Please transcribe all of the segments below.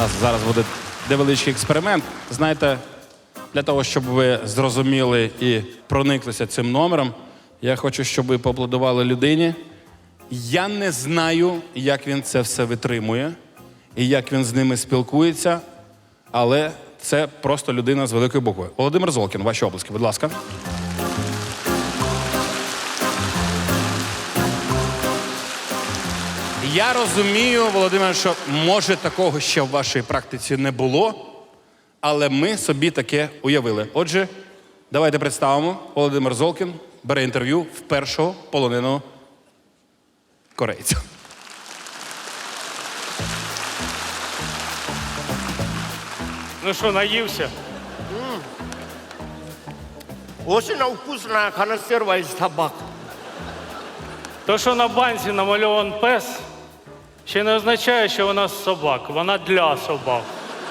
нас зараз буде невеличкий експеримент. Знаєте, для того, щоб ви зрозуміли і прониклися цим номером, я хочу, щоб ви поаплодували людині. Я не знаю, як він це все витримує і як він з ними спілкується, але це просто людина з великої букви. Володимир Золкін, ваші оплески, будь ласка. Я розумію, Володимир, що може такого ще в вашій практиці не було, але ми собі таке уявили. Отже, давайте представимо. Володимир Золкін бере інтерв'ю в першого полоненого корейця. Ну що, наївся? Очень вкусная консерва из собак. То, що на банці намальован пес, ще не означає, що вона з собак. Вона для собак.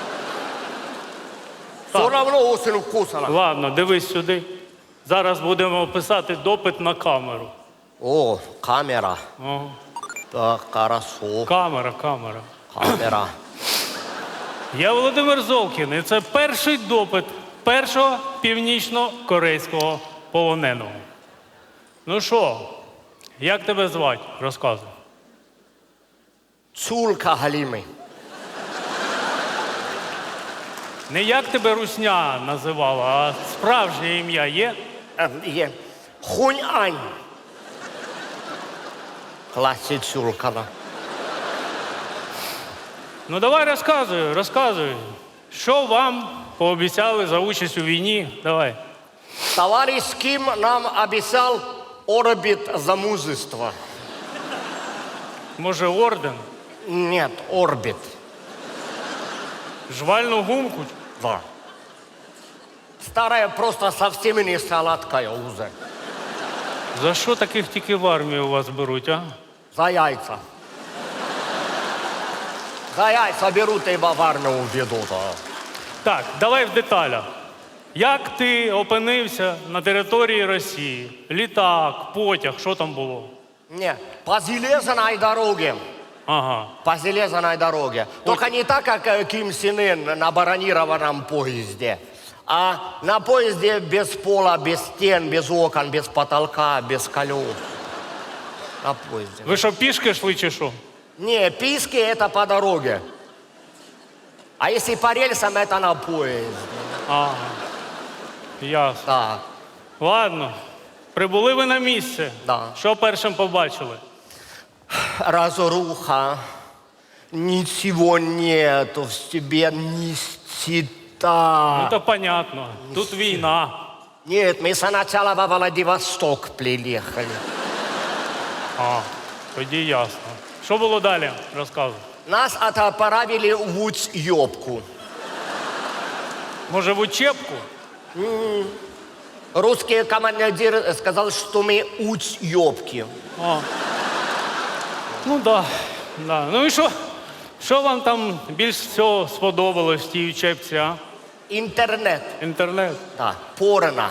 Все равно очень вкусно. Ладно, дивись сюди. Зараз будемо писати допит на камеру. О, камера. Ага. Так, хорошо. Камера. Камера. Я Володимир Золкін, і це перший допит першого північно-корейського полоненого. Ну що, як тебе звати? Розказуй. Чулка Галимый. Не як тебе русня називала, а справжнє ім'я є? Хунь-ань. Классе Чулкана. Ну давай розказуй. Що вам пообіцяли за участь у війні? Давай. Товарищ Ким нам обещал орбит за мужество. Може, орден? Нет, орбит. Жвальну гумку? Да. Старая просто совсем не сладкая уже. За що таких тільки в армію у вас беруть, а? За яйца. За яйца берут и в армию ведут. Так, давай в деталях. Як ти опинився на території Росії? Літак, потяг, що там було? Не, по железной дороге. Ага. По железной дороге. Только не так, как Ким Сен Ын на бронированном поезде. А на поезде без пола, без стен, без окон, без потолка, без колес. На поезде. Ви що, пішки йшли чи що? Не, писки это по дороге. А если по рельсам, это на поезде. Ага. Ясно. Так. Ладно. Прибули ви на місце. Да. Що першим побачили? Разруха. Ничего нету в тебе, нищета. Ну, то понятно. Тут війна. Нет, мы сначала во Владивосток приехали. А, тоді ясно. Що було далі? Розказуй. Нас отправили в учебку. Може, в учебку? Русский командир сказал, что мы учебки. А. Ну да. Ну і що? Що вам там більш всього сподобалось в тій учебці, а? Интернет. Інтернет? Да, порно.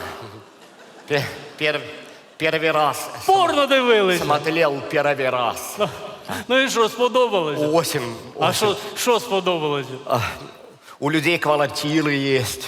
Первый раз Порно дивилися. смотрел первый раз. Ну і що, сподобалось? Осень. А що сподобалось? У людей квартиры есть.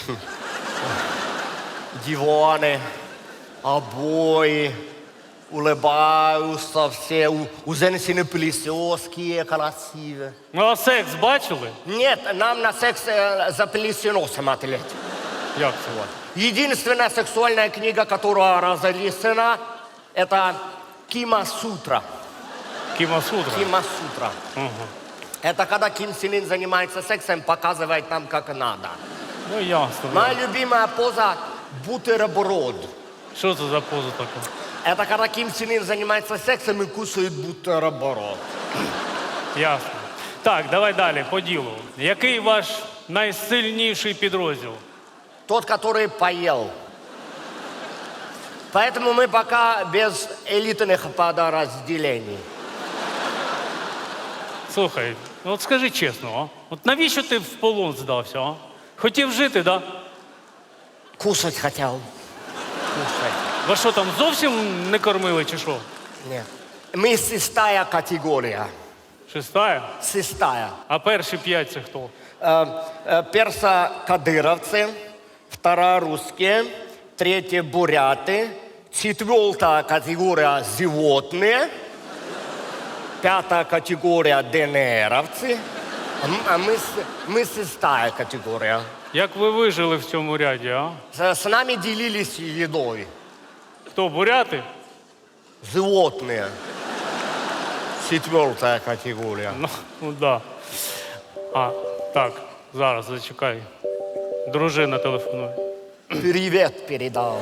Диваны, обои. Улыбаются все. У женщины прически красивые. Ну а секс бачили? Нет, нам на секс запрещено смотреть. Як це? Единственная сексуальная книга, которая разрешена, это Кима-сутра. Кімасутра? Кима-сутра. Это когда Ким Сен Ын занимается сексом, показывает нам, как надо. Ну ясно. Моя любимая поза – бутерброд. Що це за поза така? Это когда Ким Сен Ын занимается сексом и кушает бутерброд. Ясно. Так, давай далі, по ділу. Який ваш найсильніший підрозділ? Тот, который поел. Поэтому мы пока без элитных подразделений. Слухай, ну от скажи чесно, а? От навіщо ти в полон здався, а? Хотів жити, да? Кушать хотел. Кушать. Вас що там зовсім не кормили чи що? Нет. Мы шестая категория. Шестая? Шестая. А перші 5 це хто? Персо-кадыровцы, вторая русские, третья буряты, четвертая категория животные, пятая категория ДНРовцы, а мы шестая категория. Як ви вижили в цьому ряді, а? С нами делились едой. Хто, буряти? Животные. Четвертая категория. Ну да. А, так, зараз зачекай. Дружина телефонує. Привет передал.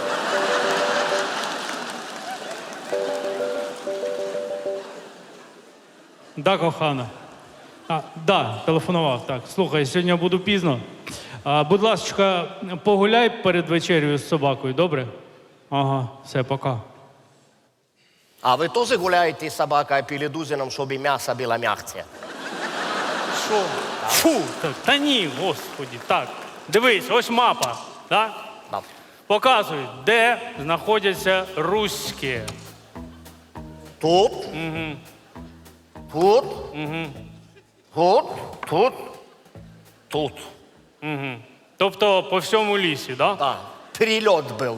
Да, кохана. Да, телефонував. Так, слухай, сьогодні я буду пізно. Будь ласка, погуляй перед вечерею з собакою, добре? Ага, все, пока. А вы тоже гуляете с собакой перед ужином, чтобы мясо было мягче? Що? Фу! Та ні, господі. Так, дивись, ось мапа. Да? Да. Показують, де знаходяться руські. Тут? Тут? Тут? Тут? Тут. Тобто по всьому лісі, да? Да. Перелет был.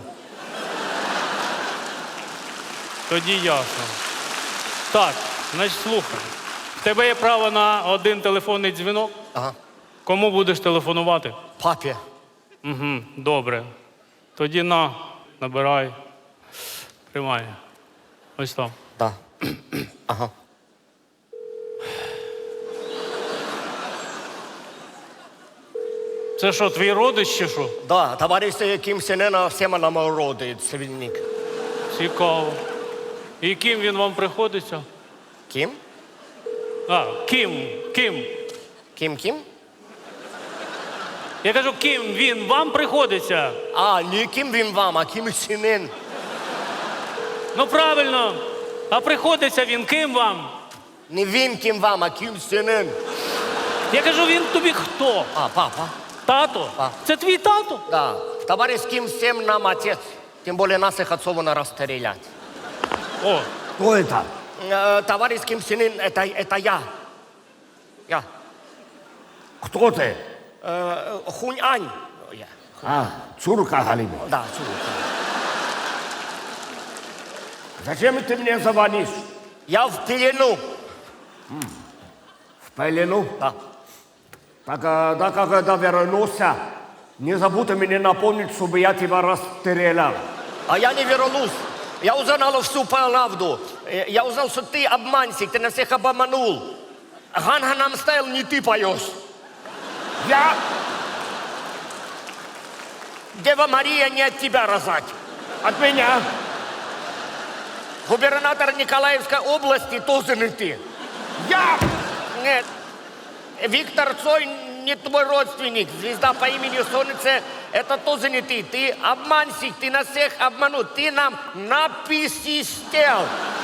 Тоді ясно. Так, значить, слухай. В тебе є право на один телефонний дзвінок. Ага. Кому будеш телефонувати? Папе. Угу, добре. Тоді набирай. Тримай. Ось там. Да. Ага. Це що, твій родич чи що? Да, товарищ Ким Сен Ын всем нам родит, свинник. Цікаво. І ким він вам приходиться? Ким? Ким? Ким? Я кажу, ким він вам приходиться? А, не Ким Вин Вам, а Ким Сен Ын. Ну правильно. А приходиться він ким вам? Не Вин Ким Вам, а Ким Сен Ын. Я кажу, він тобі хто? А, папа. Тато? Це твій тато? Да. Товарищ Ким всем нам отец. Тем более наших отцов надо расстрелять. О, Кто это? Товарищ Ким Сен Ын, это я. Я. Кто ты? Хунь-Ань. Я. Цурка Галимова. Да, чудо. Зачем ты мне звонишь? Я в пелену. В пелену? Да. Так, да, когда вернулся, не забудь мне напомнить, чтобы я тебя расстрелял. А я не вернусь. Я узнал всю правду. Я узнал, что ты обманщик, ты нас всех обманул. Гангнам Стайл не ты поешь. Я? Дева Мария не от тебя рожать. От меня? Губернатор Николаевской области тоже не ты. Я? Нет. Виктор Цой не твой родственник. Звезда по имени Солнце – это тоже не ты. Ты обманщик, ты нас всех обманул. Ты нам написистел.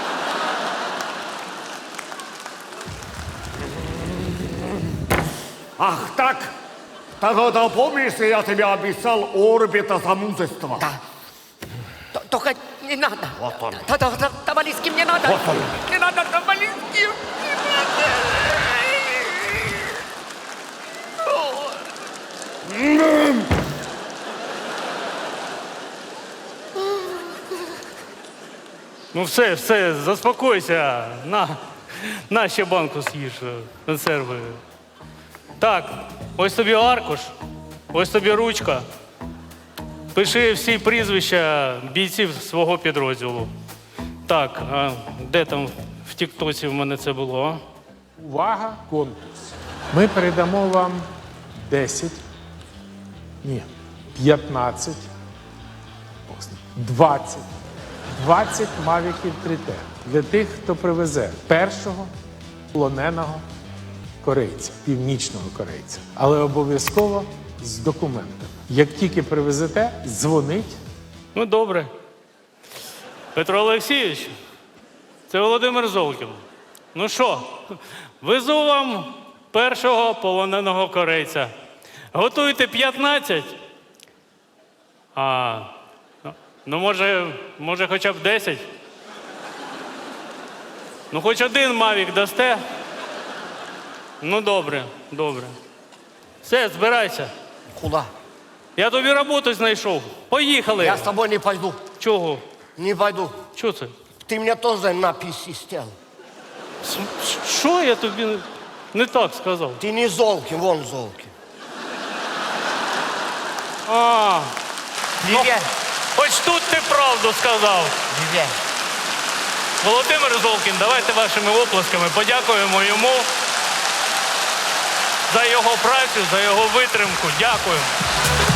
Ах так? Тогда помнишь, я тебе обещал орбита замужества? Да. Только не надо. Вот он. Товарищ Ким, не надо. Вот он. Не надо, товарищ Ким. Не надо. ну все, заспокойся. На ще банку з'їж консерви. Так, ось тобі аркуш, ось тобі ручка. Пиши всі прізвища бійців свого підрозділу. Так, а де там в тіктоці в мене це було? А? Увага, конкурс. Ми передамо вам 10, 15, 20 мавіків 3T для тих, хто привезе першого полоненого корейця, північного корейця. Але обов'язково з документами. Як тільки привезете, дзвонить. Ну, добре. Петро Олексійович, це Володимир Золкін. Ну що, везу вам першого полоненого корейця. Готуйте 15. Ну, може хоча б 10. Ну, хоч один мавік дасте. Ну, добре, добре. Все, збирайся. Куда? Я тобі роботу знайшов. Поїхали. Я с тобой не пойду. Чого? Не пойду. Чого це? Ты мне тоже на писи стел. Що я тобі не так сказав? Ты не Золкин, вон Золкин. А, Не верь, ось тут ти правду сказав. не верь. Володимир Золкін, давайте вашими оплесками подякуємо йому за його працю, за його витримку. Дякую.